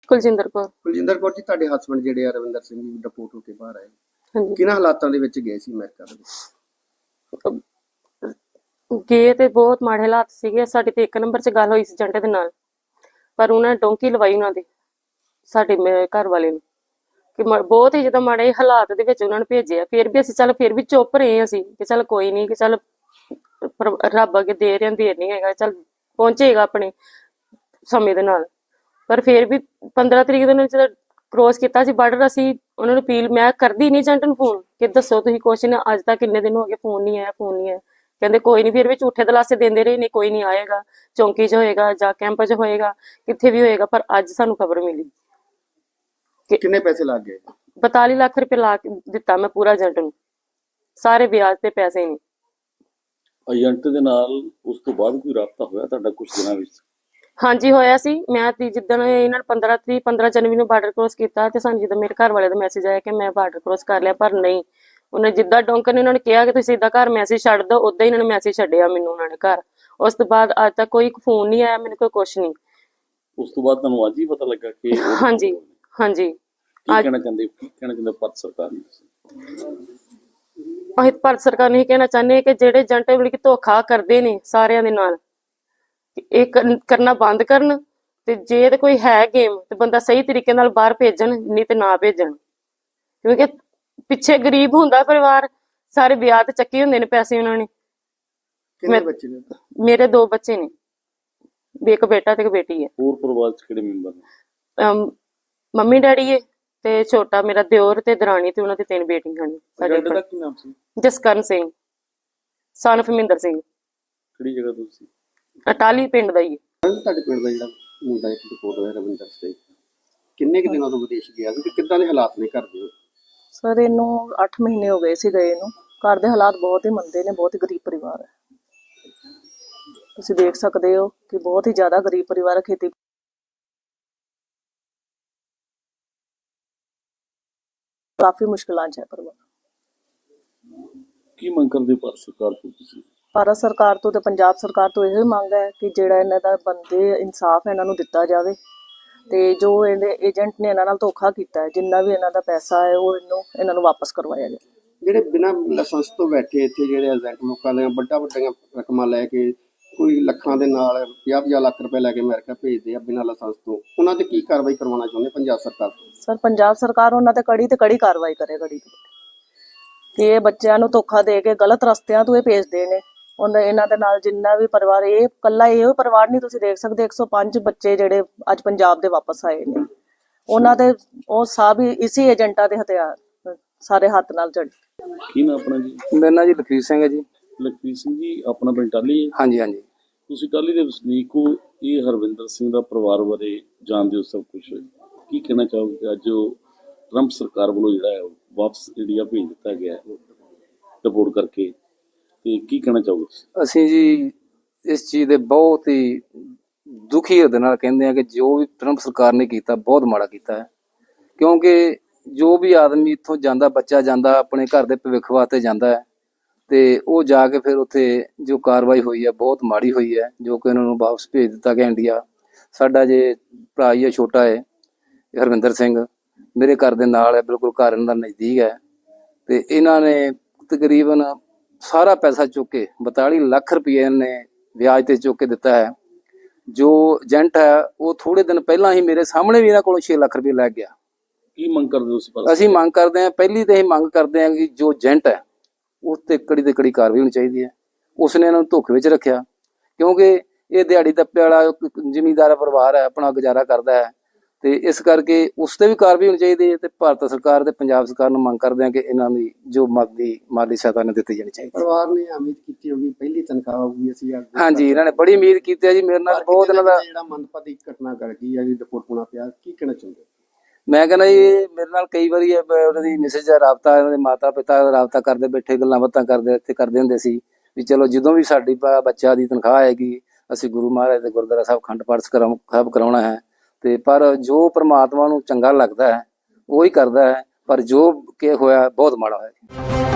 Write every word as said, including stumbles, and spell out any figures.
ਕੁਲਜਿੰਦਰ ਕੌਰ। ਕੁਲਜਿੰਦਰ ਕੌਰ ਜੀ, ਤੁਹਾਡੇ ਹਸਬੰਡ ਜਿਹੜੇ ਆ ਰਵਿੰਦਰ ਸਿੰਘ ਜੀ ਡਿਪੋਰਟ ਹੋ ਕੇ ਬਾਹਰ ਆਏ, ਹਾਂਜੀ, ਕਿਹਨਾਂ ਹਾਲਾਤਾਂ ਦੇ ਵਿੱਚ ਗਏ ਸੀ ਅਮਰੀਕਾ ਦੇ ਵਿੱਚ? ਗਏ ਤੇ ਬਹੁਤ ਮਾੜੇ ਹਾਲਾਤ ਸੀਗੇ। ਸਾਡੀ ਤੇ ਇੱਕ ਨੰਬਰ 'ਚ ਗੱਲ ਹੋਈ ਸੀ ਏਜੰਟ ਦੇ ਨਾਲ, ਪਰ ਉਹਨਾਂ ਨੇ ਡੋਂਕੀ ਲਵਾਈ ਉਹਨਾਂ ਦੇ ਸਾਡੇ ਮੇ- ਘਰ ਵਾਲੇ ਨੂੰ ਕਿ ਮ- ਬਹੁਤ ਹੀ ਜਿੱਦਾਂ ਮਾੜੇ ਹਾਲਾਤ ਦੇ ਵਿੱਚ ਉਹਨਾਂ ਨੂੰ ਭੇਜਿਆ। ਫਿਰ ਵੀ ਅਸੀਂ ਚੱਲ ਫਿਰ ਵੀ ਚੁੱਪ ਰਹੇ ਅਸੀਂ ਕਿ ਚੱਲ ਕੋਈ ਨਹੀਂ, ਕਿ ਚੱਲ ਪਰ- ਰੱਬ ਅੱਗੇ ਦੇ ਰਹੇ ਦੇਰ ਨਹੀਂ ਹੈਗਾ, ਚੱਲ ਪਹੁੰਚੇਗਾ ਆਪਣੇ ਸਮੇਂ ਦੇ ਨਾਲ। ਪਰ ਫਿਰ ਵੀ ਪੰਦਰਾਂ ਤਰੀਕ ਦੇ ਨੂੰ ਜਦੋਂ ਕ੍ਰੋਸ ਕੀਤਾ ਸੀ ਬਾਰਡਰ, ਅਸੀਂ ਉਹਨਾਂ ਨੂੰ ਅਪੀਲ ਮੈਂ ਕਰਦੀ ਨਹੀਂ ਏਜੰਟ ਨੂੰ ਫੋਨ ਕਿ ਦੱਸੋ ਤੁਸੀਂ ਕੁਛ ਨਾ, ਅੱਜ ਤੱਕ ਕਿੰਨੇ ਦਿਨ ਹੋ ਗਏ ਫੋਨ ਨਹੀਂ ਆਇਆ ਫੋਨ ਨਹੀਂ ਆਇਆ। ਕਹਿੰਦੇ ਕੋਈ ਨਹੀਂ, ਫਿਰ ਵੀ ਝੂਠੇ ਦਲਾਸੇ ਦਿੰਦੇ ਰਹੇ, ਨਹੀਂ ਕੋਈ ਨਹੀਂ ਆਏਗਾ, ਚੌਂਕੀ 'ਚ ਹੋਏਗਾ ਜਾਂ ਕੈਂਪ 'ਚ ਹੋਏਗਾ, ਕਿੱਥੇ ਵੀ ਹੋਏਗਾ। ਪਰ ਅੱਜ ਸਾਨੂੰ ਖਬਰ ਮਿਲੀ ਕਿੰਨੇ ਪੈਸੇ ਲੱਗ ਗਏ? ਬਤਾਲੀ ਲੱਖ ਰੁਪਏ ਲਾ ਕੇ ਦਿੱਤਾ ਮੈਂ ਪੂਰਾ ਏਜੰਟ ਨੂੰ, ਸਾਰੇ ਵਿਆਜ ਤੇ ਪੈਸੇ ਨਹੀਂ। ਏਜੰਟ ਦੇ ਨਾਲ ਉਸ ਤੋਂ ਬਾਅਦ ਕੋਈ ਰਾਬਤਾ ਹੋਇਆ ਤੁਹਾਡਾ ਕੁਝ ਦਿਨਾਂ ਵਿੱਚ? ਹਾਂਜੀ ਹੋਇਆ ਸੀ। ਮੈਂ ਤੀ ਜਿੱਦਣ ਇਹਨਾਂ ਨੇ ਪੰਦਰਾਂ ਤਰੀਕ ਪੰਦਰਾਂ ਜਨਵਰੀ ਨੂੰ ਬਾਰਡਰ ਕ੍ਰੋਸ ਕੀਤਾ ਤੇ ਸਾਨੂੰ ਜਦੋਂ ਮੇਰੇ ਘਰ ਵਾਲੇ ਦਾ ਮੈਸੇਜ ਆਇਆ ਕਿ ਮੈਂ ਬਾਰਡਰ ਕ੍ਰੋਸ ਕਰ ਲਿਆ, ਪਰ ਨਹੀਂ, ਉਹਨੇ ਜਿੱਦਾਂ ਡੋਂਕਰ ਨੇ ਉਹਨਾਂ ਨੇ ਕਿਹਾ ਕਿ ਤੁਸੀਂ ਸਿੱਧਾ ਘਰ ਮੈਸੇਜ ਛੱਡ ਦਿਓ, ਉਦਾਂ ਹੀ ਇਹਨਾਂ ਨੇ ਮੈਸੇਜ ਛੱਡਿਆ ਮੈਨੂੰ ਉਹਨਾਂ ਨੇ ਘਰ। ਉਸ ਤੋਂ ਬਾਅਦ ਅੱਜ ਤੱਕ ਕੋਈ ਫੋਨ ਨਹੀਂ ਆਇਆ ਮੈਨੂੰ, ਕੋਈ ਕੁਛ ਨਹੀਂ। ਉਸ ਤੋਂ ਬਾਅਦ ਤੁਹਾਨੂੰ ਅੱਜ ਹੀ ਪਤਾ ਲੱਗਾ ਕਿ ਉਹ- ਹਾਂਜੀ ਹਾਂਜੀ। ਕੀ ਕਹਿਣਾ ਚਾਹੁੰਦੇ ਕੀ ਕਹਿਣਾ ਚਾਹੁੰਦੇ ਭਾਰਤ ਸਰਕਾਰ ਨੂੰ? ਅਸੀਂ ਭਾਰਤ ਸਰਕਾਰ ਨੂੰ ਇਹ ਕਹਿਣਾ ਚਾਹੁੰਦੇ ਹਾਂ ਕਿ ਜਿਹੜੇ ਏਜੰਟ ਮਤਲਬ ਕਿ ਧੋਖਾ ਕਰਦੇ ਨੇ ਸਾਰਿਆਂ ਦੇ ਨਾਲ, ਇਹ ਕਰਨ- ਕਰਨਾ ਬੰਦ ਕਰਨ। ਤੇ ਜੇ ਤੇ ਕੋਈ ਹੈ ਗੇਮ ਤੇ ਬੰਦਾ ਸਹੀ ਤਰੀਕੇ ਨਾਲ ਬਾਹਰ ਭੇਜਣ, ਨਹੀਂ ਤੇ ਨਾ ਭੇਜਣ। ਕਿਉਂਕਿ ਪਿੱਛੇ ਗਰੀਬ ਹੁੰਦਾ ਪਰਿਵਾਰ, ਸਾਰੇ ਵਿਆਹ ਤੇ ਚੱਕੇ ਹੁੰਦੇ ਨੇ ਪੈਸੇ ਉਹਨਾਂ ਨੇ। ਕਿੰਨੇ ਬੱਚੇ ਨੇ? ਮੇਰੇ ਦੋ ਬੱਚੇ ਨੇ, ਇੱਕ ਬੇਟਾ ਤੇ ਇੱਕ ਬੇਟੀ ਹੈ। ਹੋਰ ਪਰਿਵਾਰ ਚ ਕਿਹੜੇ ਮੈਂਬਰ ਨੇ? ਅਮ ਮੰਮੀ ਡੈਡੀ ਹੈ ਤੇ ਛੋਟਾ ਮੇਰਾ ਦਿਓਰ ਤੇ ਦਰਾਣੀ ਤੇ ਉਹਨਾਂ ਦੀ ਤਿੰਨ ਬੇਟੀਆਂ ਨੇ। ਸਾਡੇ ਏਜੰਟ ਦਾ ਕੀ ਨਾਮ ਸੀ? ਜਸਕਰਨ ਸਿੰਘ ਸਨ of ਮਹਿੰਦਰ ਸਿੰਘ, ਕਿਹੜੀ ਜਗ੍ਹਾ ਤੋਂ ਸੀ? ਅਟਾਲੀ ਪਿੰਡ ਦਾ ਹੀ ਹੈ। ਤੁਹਾਡੇ ਪਿੰਡ ਦਾ ਜਿਹੜਾ ਮੁੰਡਾ ਇੱਕ ਡਿਪੋਰਟ ਹੋਇਆ ਰਵਿੰਦਰ ਸਿੰਘ, ਕਿੰਨੇ ਕੁ ਦਿਨਾਂ ਤੋਂ ਵਿਦੇਸ਼ ਗਿਆ ਸੀ ਤੇ ਕਿੱਦਾਂ ਦੇ ਹਾਲਾਤ ਨੇ ਘਰ ਦੇ? ਸਰ ਇਹਨੂੰ ਅੱਠ ਮਹੀਨੇ ਹੋ ਗਏ ਸੀ ਗਏ ਨੂੰ। ਘਰ ਦੇ ਹਾਲਾਤ ਬਹੁਤ ਹੀ ਮੰਦੇ ਨੇ, ਬਹੁਤ ਹੀ ਗਰੀਬ ਪਰਿਵਾਰ ਹੈ। ਤੁਸੀਂ ਦੇਖ ਸਕਦੇ ਹੋ ਕਿ ਬਹੁਤ ਹੀ ਜ਼ਿਆਦਾ ਗਰੀਬ ਪਰਿਵਾਰ ਹੈ। ਖੇਤੀ ਕਾਫੀ ਮੁਸ਼ਕਿਲਾਂ 'ਚ ਹੈ ਪਰਿਵਾਰ। ਕੀ ਮੰਗ ਕਰਦੇ ਭਾਰਤ ਸਰਕਾਰ ਤੋਂ ਤੁਸੀਂ? ਭਾਰਤ ਸਰਕਾਰ ਤੋਂ ਤੇ ਪੰਜਾਬ ਸਰਕਾਰ ਤੋਂ ਇਹੋ ਹੀ ਮੰਗ ਹੈ ਕਿ ਜਿਹੜਾ ਇਹਨਾਂ ਦਾ ਬੰਦੇ ਇਨਸਾਫ ਇਹਨਾਂ ਨੂੰ ਦਿੱਤਾ ਜਾਵੇ, ਤੇ ਜੋ ਇਹਦੇ ਏਜੰਟ ਨੇ ਇਹਨਾਂ ਨਾਲ ਧੋਖਾ ਕੀਤਾ ਹੈ, ਜਿੰਨਾ ਵੀ ਇਹਨਾਂ ਦਾ ਪੈਸਾ ਹੈ ਉਹ ਇਹਨੂੰ ਇਹਨਾਂ ਨੂੰ ਵਾਪਸ ਕਰਵਾਇਆ ਜਾਵੇ। ਜਿਹੜੇ ਬਿਨਾਂ ਲਾਇਸੈਂਸ ਤੋਂ ਬੈਠੇ ਇੱਥੇ ਜਿਹੜੇ ਏਜੰਟ ਲੋਕਾਂ ਦੀਆਂ ਵੱਡਾ ਵੱਡੀਆਂ ਰਕਮਾਂ ਲੈ ਕੇ, ਕੋਈ ਲੱਖਾਂ ਦੇ ਨਾਲ ਪੰਜਾਹ ਪੰਜਾਹ ਲੱਖ ਰੁਪਏ ਲੈ ਕੇ ਅਮਰੀਕਾ ਭੇਜਦੇ ਆ ਬਿਨਾਂ ਲਾਇਸੈਂਸ ਤੋਂ, ਉਹਨਾਂ ਤੇ ਕੀ ਕਾਰਵਾਈ ਕਰਵਾਉਣਾ ਚਾਹੁੰਦੇ ਪੰਜਾਬ ਸਰਕਾਰ ਤੋਂ? ਸਰ ਪੰਜਾਬ ਸਰਕਾਰ ਉਹਨਾਂ ਤੇ ਕੜੀ ਤੇ ਕੜੀ ਕਾਰਵਾਈ ਕਰੇ, ਕੜੀ ਤੇ ਕਿ ਇਹ ਬੱਚਿਆਂ ਨੂੰ ਧੋਖਾ ਦੇ ਕੇ ਗਲਤ ਰਸਤਿਆਂ ਤੋਂ ਇਹ ਭੇਜਦੇ ਨੇ। ਉਹਨਾਂ ਇਹਨਾਂ ਦੇ ਨਾਲ ਜਿੰਨਾ ਵੀ ਪਰਿਵਾਰ, ਇਹ ਇਕੱਲਾ ਇਹੋ ਪਰਿਵਾਰ ਨਹੀਂ, ਤੁਸੀਂ ਦੇਖ ਸਕਦੇ ਇੱਕ ਸੌ ਪੰਜ ਬੱਚੇ ਜਿਹੜੇ ਅੱਜ ਪੰਜਾਬ ਦੇ ਵਾਪਸ ਆਏ ਨੇ, ਉਹਨਾਂ ਦੇ ਉਹ ਸਭ ਹੀ ਇਸੇ ਏਜੰਟਾਂ ਦੇ ਹਥਿਆਰ ਸਾਰੇ ਹੱਥ ਨਾਲ ਜੜੇ। ਕੀ ਨਾਮ ਆਪਣਾ ਜੀ? ਮੇਰਾ ਨਾਂ ਜੀ ਲਖਵੀਰ ਸਿੰਘ ਹੈ ਜੀ। ਲਖਵੀਰ ਸਿੰਘ ਜੀ, ਆਪਣਾ ਪਿੰਡ ਟਾਹਲੀ ਹੈ? ਹਾਂਜੀ ਹਾਂਜੀ। ਤੁਸੀਂ ਟਾਹਲੀ ਦੇ ਵਸਨੀਕ ਹੋ, ਇਹ ਹਰਵਿੰਦਰ ਸਿੰਘ ਦਾ ਪਰਿਵਾਰ ਬਾਰੇ ਜਾਣਦੇ ਹੋ ਸਭ ਕੁਝ, ਕੀ ਕਹਿਣਾ ਚਾਹੋਗੇ ਅੱਜ ਉਹ ਟਰੰਪ ਸਰਕਾਰ ਵੱਲੋਂ ਜਿਹੜਾ ਹੈ ਵਾਪਸ ਇੰਡੀਆ ਭੇਜ ਦਿੱਤਾ ਗਿਆ ਹੈ ਰਿਪੋਰਟ ਕਰਕੇ, ਤੇ ਕੀ ਕਹਿਣਾ ਚਾਹੋਗੇ? ਅਸੀਂ ਜੀ ਇਸ ਚੀਜ਼ ਦੇ ਬਹੁਤ ਹੀ ਦੁਖੀ ਹਿਰਦੇ ਨਾਲ ਕਹਿੰਦੇ ਹਾਂ ਕਿ ਜੋ ਵੀ ਟਰੰਪ ਸਰਕਾਰ ਨੇ ਕੀਤਾ ਬਹੁਤ ਮਾੜਾ ਕੀਤਾ ਹੈ। ਕਿਉਂਕਿ ਜੋ ਵੀ ਆਦਮੀ ਇੱਥੋਂ ਜਾਂਦਾ, ਬੱਚਾ ਜਾਂਦਾ ਆਪਣੇ ਘਰ ਦੇ ਭਵਿੱਖ ਵਾਸਤੇ ਜਾਂਦਾ ਹੈ, ਤੇ ਉਹ ਜਾ ਕੇ ਫਿਰ ਉੱਥੇ ਜੋ ਕਾਰਵਾਈ ਹੋਈ ਹੈ ਬਹੁਤ ਮਾੜੀ ਹੋਈ ਹੈ, ਜੋ ਕਿ ਉਹਨਾਂ ਨੂੰ ਵਾਪਸ ਭੇਜ ਦਿੱਤਾ ਗਿਆ ਇੰਡੀਆ। ਸਾਡਾ ਜੇ ਭਰਾ ਹੀ ਹੈ, ਛੋਟਾ ਹੈ ਹਰਵਿੰਦਰ ਸਿੰਘ, ਮੇਰੇ ਘਰ ਦੇ ਨਾਲ ਹੈ, ਬਿਲਕੁਲ ਘਰ ਇਹਨਾਂ ਦਾ ਨਜ਼ਦੀਕ ਹੈ, ਤੇ ਇਹਨਾਂ ਨੇ ਤਕਰੀਬਨ ਸਾਰਾ ਪੈਸਾ ਚੁੱਕ ਕੇ ਬਤਾਲੀ ਲੱਖ ਰੁਪਏ ਨੇ ਵਿਆਜ ਤੇ ਚੁੱਕ ਕੇ ਦਿੱਤਾ ਹੈ। ਜੋ ਏਜੰਟ ਹੈ ਉਹ ਥੋੜੇ ਦਿਨ ਪਹਿਲਾਂ ਹੀ ਮੇਰੇ ਸਾਹਮਣੇ ਵੀ ਇਹਨਾਂ ਕੋਲੋਂ ਛੇ ਲੱਖ ਰੁਪਏ ਲੈ ਗਿਆ। ਕੀ ਮੰਗ ਕਰਦੇ ਹੋ ਤੁਸੀਂ? ਅਸੀਂ ਮੰਗ ਕਰਦੇ ਹਾਂ, ਪਹਿਲੀ ਤੇ ਇਹ ਮੰਗ ਕਰਦੇ ਹਾਂ ਕਿ ਜੋ ਏਜੰਟ ਹੈ ਉਸ ਤੇ ਕੜੀ ਤੇ ਕੜੀ ਕਾਰਵਾਈ ਹੋਣੀ ਚਾਹੀਦੀ ਹੈ। ਉਸਨੇ ਇਹਨਾਂ ਨੂੰ ਧੋਖੇ ਵਿੱਚ ਰੱਖਿਆ, ਕਿਉਂਕਿ ਇਹ ਦਿਹਾੜੀ ਦੱਪੇ ਵਾਲਾ ਜ਼ਿਮੀਂਦਾਰ ਪਰਿਵਾਰ ਹੈ, ਆਪਣਾ ਗੁਜ਼ਾਰਾ ਕਰਦਾ ਹੈ, ਤੇ ਇਸ ਕਰਕੇ ਉਸ ਤੇ ਵੀ ਕਾਰਵਾਈ ਹੋਣੀ ਚਾਹੀਦੀ ਹੈ। ਤੇ ਭਾਰਤ ਸਰਕਾਰ ਤੇ ਪੰਜਾਬ ਸਰਕਾਰ ਨੂੰ ਮੰਗ ਕਰਦੇ ਹਾਂ ਕਿ ਇਹਨਾਂ ਦੀ ਜੋ ਮਾਲੀ ਮਾਲੀ ਸਹਾਇਤਾ ਨੇ ਦਿੱਤੀ ਜਾਣੀ ਚਾਹੀਦੀ ਹੈ। ਪਰਿਵਾਰ ਨੇ ਉਮੀਦ ਕੀਤੀ ਹੋਗੀ ਪਹਿਲੀ ਤਨਖਾਹ ਹੋਊਗੀ ਅਸੀਂ। ਹਾਂਜੀ, ਇਹਨਾਂ ਨੇ ਬੜੀ ਉਮੀਦ ਕੀਤੀ ਹੈ ਜੀ ਮੇਰੇ ਨਾਲ। ਬਹੁਤ ਇਹਨਾਂ ਦਾ ਜਿਹੜਾ ਮੰਦਭਾਗੀ ਘਟਨਾ ਕਰ ਗਈ ਹੈ ਜੀ, ਰਿਪੋਰਟ ਹੋਣਾ ਪਿਆ, ਕੀ ਕਹਿਣਾ ਚਾਹੁੰਦੇ? ਮੈਂ ਕਹਿੰਦਾ ਜੀ ਮੇਰੇ ਨਾਲ ਕਈ ਵਾਰੀ ਉਹਨਾਂ ਦੀ ਮਿਸੇਜ ਦਾ ਰਾਬਤਾ, ਇਹਨਾਂ ਦੇ ਮਾਤਾ ਪਿਤਾ ਦਾ ਰਾਬਤਾ ਕਰਦੇ ਬੈਠੇ, ਗੱਲਾਂ ਬਾਤਾਂ ਕਰਦੇ ਇੱਥੇ ਕਰਦੇ ਹੁੰਦੇ ਸੀ ਵੀ ਚਲੋ ਜਦੋਂ ਵੀ ਸਾਡੀ ਬੱਚਾ ਦੀ ਤਨਖਾਹ ਆਏਗੀ ਅਸੀਂ ਗੁਰੂ ਮਹਾਰਾਜ ਦੇ ਗੁਰਦੁਆਰਾ ਸਾਹਿਬ ਅਖੰਡ ਪਾਠ ਸਾਹਿਬ ਕਰਾਉਣਾ ਹੈ। ਤੇ ਪਰ ਜੋ ਪ੍ਰਮਾਤਮਾ ਨੂੰ ਚੰਗਾ ਲੱਗਦਾ ਹੈ ਉਹੀ ਕਰਦਾ ਹੈ, ਪਰ ਜੋ ਕਿ ਹੋਇਆ ਬਹੁਤ ਮਾੜਾ ਹੋਇਆ।